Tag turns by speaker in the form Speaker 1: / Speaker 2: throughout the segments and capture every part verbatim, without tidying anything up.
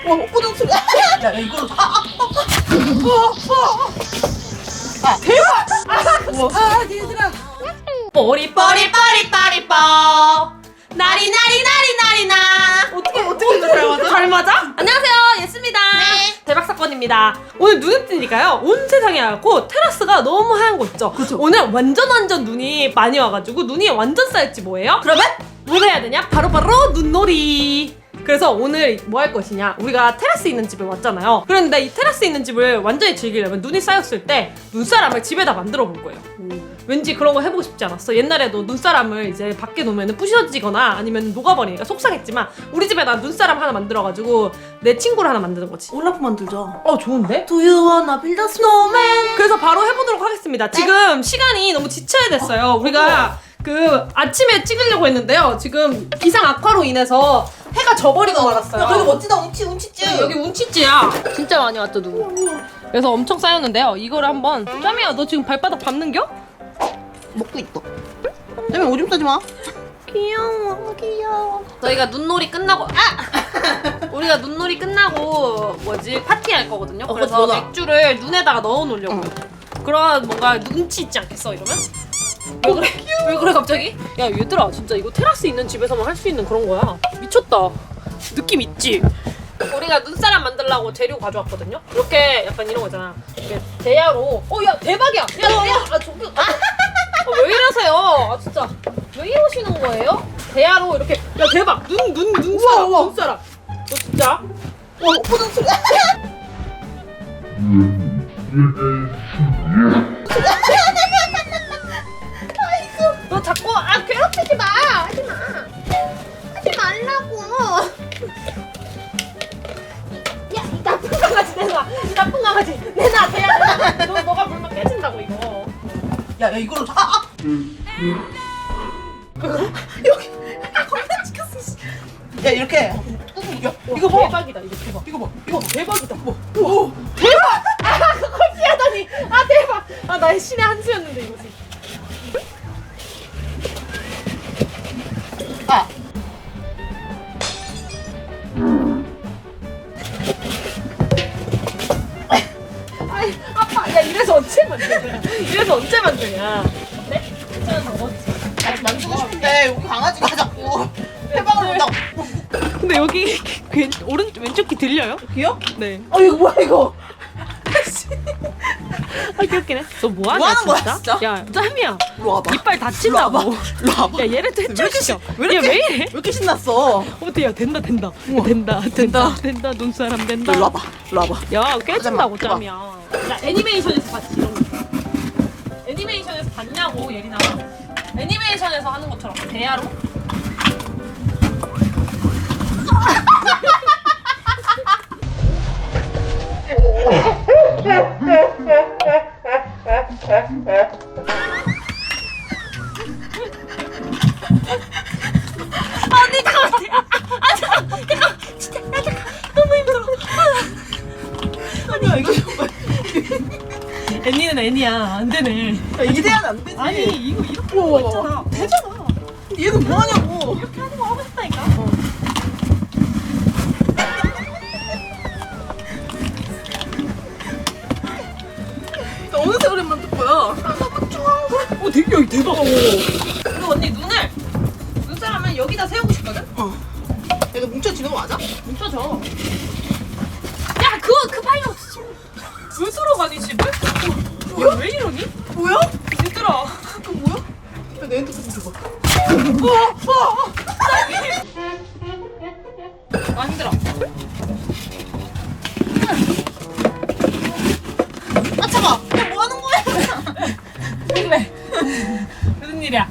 Speaker 1: 와, 꼬정 소리. 야, 야, 이걸로. 아, 아, 아, 아, 아, 대박! 아, 얘들아.
Speaker 2: 뽀리 뽀리 뽀리 뽀리 뽀 나리 나리 나리 나리 나
Speaker 1: 어떻게, 어떻게 잘 맞아?
Speaker 2: 잘 맞아? 안녕하세요, 예스입니다.
Speaker 1: 네.
Speaker 2: 대박 사건입니다. 오늘 눈을 뜨니까요, 온 세상이 하얗고 테라스가 너무 하얀 거 있죠?
Speaker 1: 그쵸.
Speaker 2: 오늘 완전 완전 눈이 많이 와가지고 눈이 완전 쌓였지 뭐예요?
Speaker 1: 그러면?
Speaker 2: 뭘 해야 되냐? 바로바로 눈놀이. 그래서 오늘 뭐 할 것이냐, 우리가 테라스 있는 집에 왔잖아요. 그런데 이 테라스 있는 집을 완전히 즐기려면 눈이 쌓였을 때 눈사람을 집에다 만들어 볼 거예요. 음. 왠지 그런 거 해보고 싶지 않았어? 옛날에도 눈사람을 이제 밖에 놓으면 부셔지거나 아니면 녹아버리니까 속상했지만 우리 집에 나 눈사람 하나 만들어가지고 내 친구를 하나 만드는 거지.
Speaker 1: 올라프 만들자.
Speaker 2: 어, 좋은데?
Speaker 1: Do you wanna build a snowman?
Speaker 2: 그래서 바로 해보도록 하겠습니다. 지금 시간이 너무 지쳐야 됐어요. 우리가 그 아침에 찍으려고 했는데요, 지금 기상 악화로 인해서 해가 져버리고 말았어요.
Speaker 1: 야, 그래도 멋지다, 운치, 운치지.
Speaker 2: 여기 운치찌야. 진짜 많이 왔죠, 누구. 그래서 엄청 쌓였는데요, 이거를 한번. 짬이야, 너 지금 발바닥 밟는겨?
Speaker 1: 먹고 있어. 때문에 오줌 싸지 마.
Speaker 2: 귀여워, 귀여워. 저희가 눈놀이 끝나고, 아! 우리가 눈놀이 끝나고 뭐지, 파티할 거거든요.
Speaker 1: 어,
Speaker 2: 그래서
Speaker 1: 맞아.
Speaker 2: 맥주를 눈에다가 넣어 놓으려고요. 그런 뭔가 눈치 있지 않겠어, 이러면? 왜 그래? 왜 그래 갑자기? 야, 얘들아, 진짜 이거 테라스 있는 집에서만 할 수 있는 그런 거야. 미쳤다. 느낌 있지? 우리가 눈사람 만들려고 재료 가져왔거든요. 이렇게 약간 이런 거 있잖아. 이렇게 대야로. 어, 야, 대박이야. 야, 대야. 아, 저기. 아, 아, 왜 이러세요? 아, 진짜. 왜 이러시는 거예요? 대야로 이렇게. 야, 대박. 눈, 눈, 눈사람.
Speaker 1: 우와, 우와.
Speaker 2: 눈사람. 너 진짜?
Speaker 1: 와, 꼬정 소리.
Speaker 2: 너 자꾸 아 괴롭히지 마. 하지 마. 하지 말라고. 야, 이 나쁜 강아지 내놔. 이 나쁜 강아지 내놔. 대야. 너 너가 물면 깨진다고 이거.
Speaker 1: 야, 야, 이걸로. 아, 아. 여기. 겁나 찍혔어. 씨. 야, 이렇게. 야, 이거 봐.
Speaker 2: 대박이다. 이거 대박.
Speaker 1: 이거 봐. 이거 봐.
Speaker 2: 대박이다.
Speaker 1: 뭐. 오.
Speaker 2: 대박. 아, 그걸 피하다니. 아, 대박. 아, 나의 신의 한 수였는데 이거지.
Speaker 1: 아.
Speaker 2: 아이, 아빠. 야, 이래서 언제 만드냐? 이래서 언제 만드냐? 어때? 괜찮아, 먹었지.
Speaker 1: 나 만지고 싶은데 여기 강아지가 자꾸 해방을 온다고.
Speaker 2: 근데 여기 왼, 오른 왼쪽 귀 들려요?
Speaker 1: 귀여?
Speaker 2: 네.
Speaker 1: 어, 이거 뭐야 이거?
Speaker 2: 아, 귀엽긴 해. 너 뭐하냐,
Speaker 1: 뭐 하는 거야,
Speaker 2: 진짜?
Speaker 1: 진짜?
Speaker 2: 야, 짬이야.
Speaker 1: 일로 와봐.
Speaker 2: 이빨
Speaker 1: 일로
Speaker 2: 다친다고.
Speaker 1: 와봐. 일로 와봐.
Speaker 2: 야, 얘를 또 해쳐주셔.
Speaker 1: 왜 이렇게
Speaker 2: 야, 왜 이래?
Speaker 1: 왜 이렇게 신났어?
Speaker 2: 어때? 야, 된다, 된다.
Speaker 1: 우와.
Speaker 2: 된다, 된다,
Speaker 1: 된다.
Speaker 2: 된다. 눈사람 된다.
Speaker 1: 일로 와봐. 일로 와봐.
Speaker 2: 야, 깨진다고,
Speaker 1: 하지 마.
Speaker 2: 짬이야. 나 애니메이션에서 봤지, 이런 거. 애니메이션에서 봤냐고, 예린아. 애니메이션에서 하는 것처럼. 대야로. 아, 내 것 같아. 아, 아, 잠깐, 잠깐, 진짜, 야, 잠깐, 너무 힘들어.
Speaker 1: 아니야 이거 정말.
Speaker 2: 애니는 애니야, 안 되네.
Speaker 1: 야, 이대한 안 되지.
Speaker 2: 아니, 이거 이렇게
Speaker 1: 우와,
Speaker 2: 하는 거
Speaker 1: 우와.
Speaker 2: 있잖아. 되잖아.
Speaker 1: 얘는 뭐 하냐고.
Speaker 2: 이렇게 하는 거 하고 싶다니까.
Speaker 1: 나 어느 세월에 만들 거야?
Speaker 2: 어, 되게 여기 대박. 그리고 언니 눈을 눈사람은 여기다 세우고 싶거든.
Speaker 1: 어. 얘가 뭉쳐지는 거 맞아?
Speaker 2: 뭉쳐져. 야, 그거 그 파이어 스스로 가니 집을? 야, 왜 이러니?
Speaker 1: 뭐야?
Speaker 2: 얘들아.
Speaker 1: 그거 뭐야? 야, 내 핸드폰 좀 줘봐.
Speaker 2: 아, 힘들어.
Speaker 1: 아 잠깐. 야, 뭐 하는 거야?
Speaker 2: 그래. 무슨 일이야?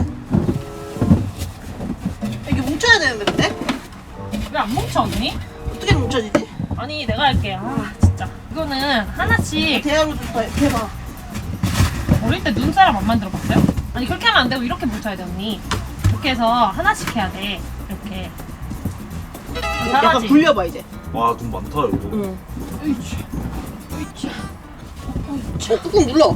Speaker 1: 이게 뭉쳐야 되는데 근데?
Speaker 2: 왜 안 뭉쳐, 언니?
Speaker 1: 어떻게 뭉쳐지지?
Speaker 2: 아니, 내가 할게. 아, 진짜. 이거는 하나씩.
Speaker 1: 대야로 좀 더 해봐.
Speaker 2: 어릴 때 눈사람 안 만들어 봤어요? 아니, 그렇게 하면 안 되고 이렇게 뭉쳐야 돼, 언니. 이렇게 해서 하나씩 해야 돼. 이렇게.
Speaker 1: 약간
Speaker 2: 잘하지?
Speaker 1: 굴려봐 이제.
Speaker 3: 와, 눈 많다, 이거.
Speaker 1: 응. 으이치. 으이치. 어, 꾹꾹 눌러.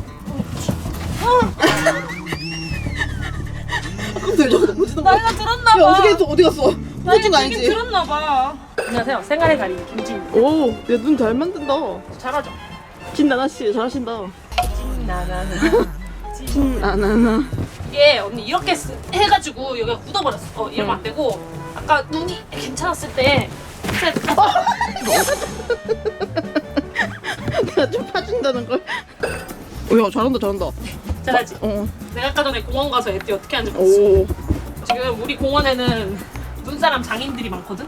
Speaker 1: 근데 저거 너무 지는 거야.
Speaker 2: 나이가 들었나 봐.
Speaker 1: 야, 어떻게 했어? 어디 갔어?
Speaker 2: 나이가
Speaker 1: 후진 거
Speaker 2: 되게
Speaker 1: 아니지?
Speaker 2: 들었나 봐. 안녕하세요. 생활의 달인 김진.
Speaker 1: 오, 내 눈 잘 만든다.
Speaker 2: 잘하죠?
Speaker 1: 진나나 씨 잘하신다.
Speaker 2: 나나나.
Speaker 1: 진나나나.
Speaker 2: 이게 언니 이렇게 쓰, 해가지고 여기가 굳어버렸어. 어, 이러면 안 되고 아까 눈이 괜찮았을 때 진짜
Speaker 1: 내가 좀 파준다는 걸. 오, 야 잘한다 잘한다.
Speaker 2: 잘하지.
Speaker 1: 어.
Speaker 2: 내가 아까 전에 공원 가서 애띠 어떻게 하는지 봤어.
Speaker 1: 오.
Speaker 2: 지금 우리 공원에는 눈사람 장인들이 많거든.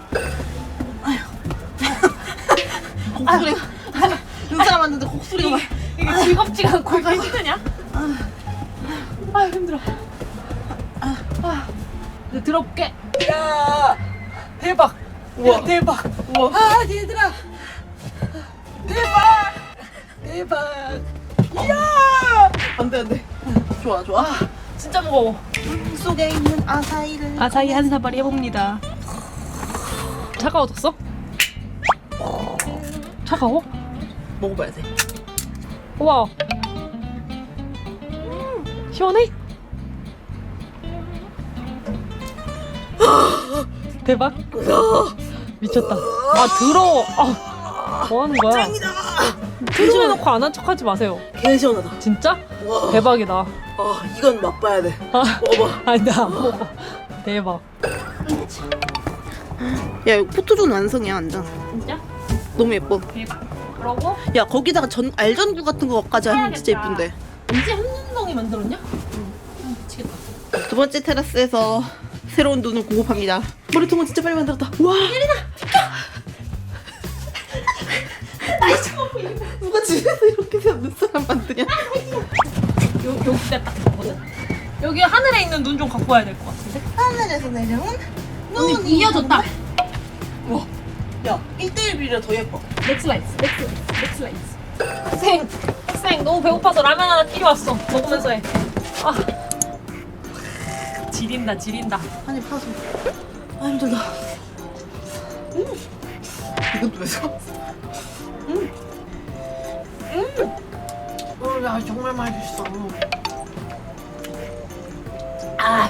Speaker 1: 곡소리가. 눈사람 왔는데 곡소리가.
Speaker 2: 이게 즐겁지가 않고 이거 힘드냐? 아 힘들어. 아, 아. 이제 들어볼게. 야 대박.
Speaker 1: 우와.
Speaker 2: 야, 대박.
Speaker 1: 우와.
Speaker 2: 아 얘들아. 대박. 대박. 이야.
Speaker 1: 안돼 안돼. 좋아 좋아.
Speaker 2: 아 진짜 무거워.
Speaker 1: 물 속에 있는 아사히를.
Speaker 2: 아사히 한 사발이 해봅니다. 차가워졌어? 차가워?
Speaker 1: 먹어봐야 돼.
Speaker 2: 우와. 음, 시원해? 대박. 미쳤다. 아 더러워. 아, 뭐 하는 거야? 조심해놓고 안 한 척하지 마세요.
Speaker 1: 개 시원하다.
Speaker 2: 진짜?
Speaker 1: 와.
Speaker 2: 대박이다.
Speaker 1: 아 이건 맛봐야 돼.
Speaker 2: 아,
Speaker 1: 먹어봐.
Speaker 2: 아니 나안 먹어. 대박.
Speaker 1: 야 이거 포토존 완성이야 완전.
Speaker 2: 진짜?
Speaker 1: 너무 예뻐.
Speaker 2: 대박. 그러고
Speaker 1: 야 거기다가 전 알전구 같은 거까지 하면 진짜
Speaker 2: 해야겠다.
Speaker 1: 예쁜데.
Speaker 2: 이제 한눈덩이 만들었냐? 응. 미치겠다.
Speaker 1: 두 번째 테라스에서 새로운 눈을 공급합니다. 머리통은 진짜 빨리 만들었다. 와. 예린아 비켜. 누가 집에서 이렇게 해서 눈사람 만드냐?
Speaker 2: 요, 여기가 딱 좋거든? 여기 하늘에 있는 눈 좀 갖고 와야 될 것 같은데?
Speaker 1: 하늘에서 내려온
Speaker 2: 언니 이어졌다.
Speaker 1: 와. 야 일 대일 비례 더 예뻐.
Speaker 2: 넥슬라이스, 넥슬라이스, 넥슬라이스. 학생, 학생 너무 배고파서 라면 하나 끼려왔어. 먹으면서 해. 아, 지린다, 지린다.
Speaker 1: 한입 파서. 아 힘들다. 음. 이건 또 왜 사?
Speaker 2: 음, 야 정말 맛있어. 아,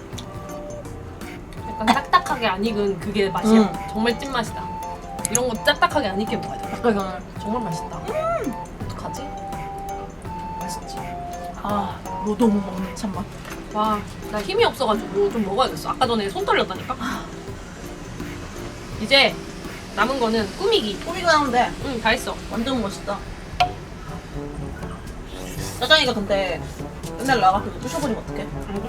Speaker 2: 약간 딱딱하게 안 익은 그게 맛이야.
Speaker 1: 음.
Speaker 2: 정말 찐맛이다. 이런 거 딱딱하게 안 익게 먹어야 돼. 약간 정말 맛있다. 음. 어떡하지? 맛있지?
Speaker 1: 아 노동 먹는 참맛.
Speaker 2: 와, 나 힘이 없어가지고 좀 먹어야겠어. 아까 전에 손 떨렸다니까. 이제 남은 거는 꾸미기.
Speaker 1: 꾸미고 나오는데
Speaker 2: 응, 다 했어.
Speaker 1: 완전 멋있다. 짜장이가 근데 맨날 나가서 부셔버리면 어떡해?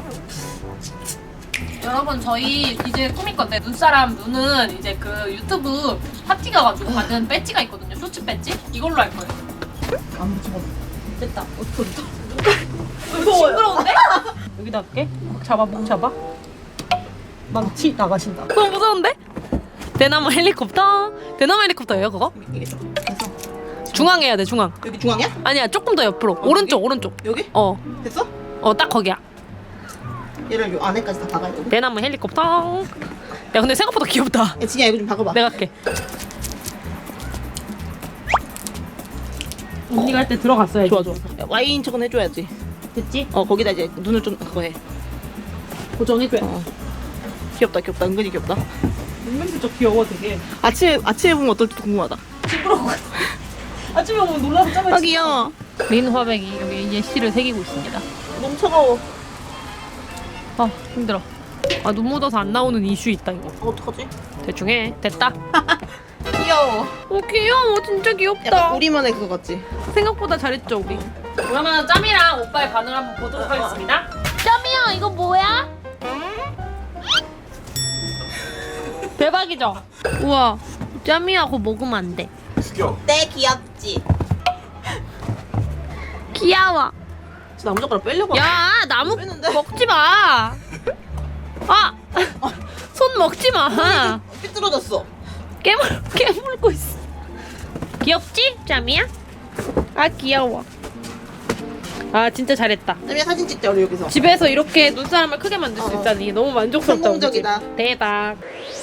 Speaker 2: 여러분 저희 이제 꾸밀 건데 눈사람 눈은 이제 그 유튜브 파티 가가지고 받은 배지가 있거든요. 쇼츠 배지? 이걸로 할 거예요.
Speaker 1: 안 붙여봐.
Speaker 2: 됐다.
Speaker 1: 어떡해 어떡해.
Speaker 2: 무서워요. 징그러운데? 여기다 할게. 목 잡아, 목 잡아. 망치 나가신다. 너무 무서운데? 대나무 헬리콥터. 대나무 헬리콥터예요 그거?
Speaker 1: 이게 좀 됐어.
Speaker 2: 중앙 해야 돼 중앙.
Speaker 1: 여기 중앙이야?
Speaker 2: 아니야 조금 더 옆으로. 오른쪽
Speaker 1: 여기?
Speaker 2: 오른쪽.
Speaker 1: 여기?
Speaker 2: 어.
Speaker 1: 됐어?
Speaker 2: 어 딱 거기야.
Speaker 1: 얘를 요 안에까지 다 박아야 돼.
Speaker 2: 대나무 헬리콥터. 야 근데 생각보다 귀엽다.
Speaker 1: 야 진이야 이거 좀 박아봐.
Speaker 2: 내가 할게. 언니가 할 때 들어갔어야지.
Speaker 1: 좋아 좋아. 야, 와인 저건 해줘야지.
Speaker 2: 됐지?
Speaker 1: 어 거기다 이제 눈을 좀 그거 해.
Speaker 2: 고정해줘야 돼.
Speaker 1: 어. 귀엽다 귀엽다 은근히 귀엽다.
Speaker 2: 눈맨도 저 귀여워 되게.
Speaker 1: 아침에 아침에 보면 어떨지 궁금하다.
Speaker 2: 징그러워. 아침에 오면 놀라서 짜면
Speaker 1: 아 귀여워.
Speaker 2: 린 화백이 여기 예시를 새기고 있습니다.
Speaker 1: 너무 차가워.
Speaker 2: 아 힘들어. 아 눈 묻어서 안 나오는 이슈 있다 이거.
Speaker 1: 아, 어떡하지?
Speaker 2: 대충 해. 됐다.
Speaker 1: 귀여워.
Speaker 2: 어 귀여워. 진짜 귀엽다.
Speaker 1: 약간 우리만의 그거 같지?
Speaker 2: 생각보다 잘했죠 우리. 그러면 짬이랑 오빠의 반응을 한번 보도록 하겠습니다. 짬이야 이거 뭐야? 대박이죠? 우와 짬이야 그거 먹으면 안 돼.
Speaker 1: 네 귀엽지.
Speaker 2: 귀여워.
Speaker 1: 진짜 나무젓가락 빼려고.
Speaker 2: 야 나무
Speaker 1: 빼는데?
Speaker 2: 먹지 마. 아, 손 먹지 마.
Speaker 1: 삐뚤어졌어.
Speaker 2: 깨물 깨물고 있어. 귀엽지, 짬이야? 아 귀여워. 아 진짜 잘했다.
Speaker 1: 짬이야 사진 찍자 우리 여기서.
Speaker 2: 집에서 이렇게 눈사람을 크게 만들 수
Speaker 1: 어.
Speaker 2: 있다니 너무 만족스럽다. 우리 집.
Speaker 1: 성공적이다.
Speaker 2: 대박.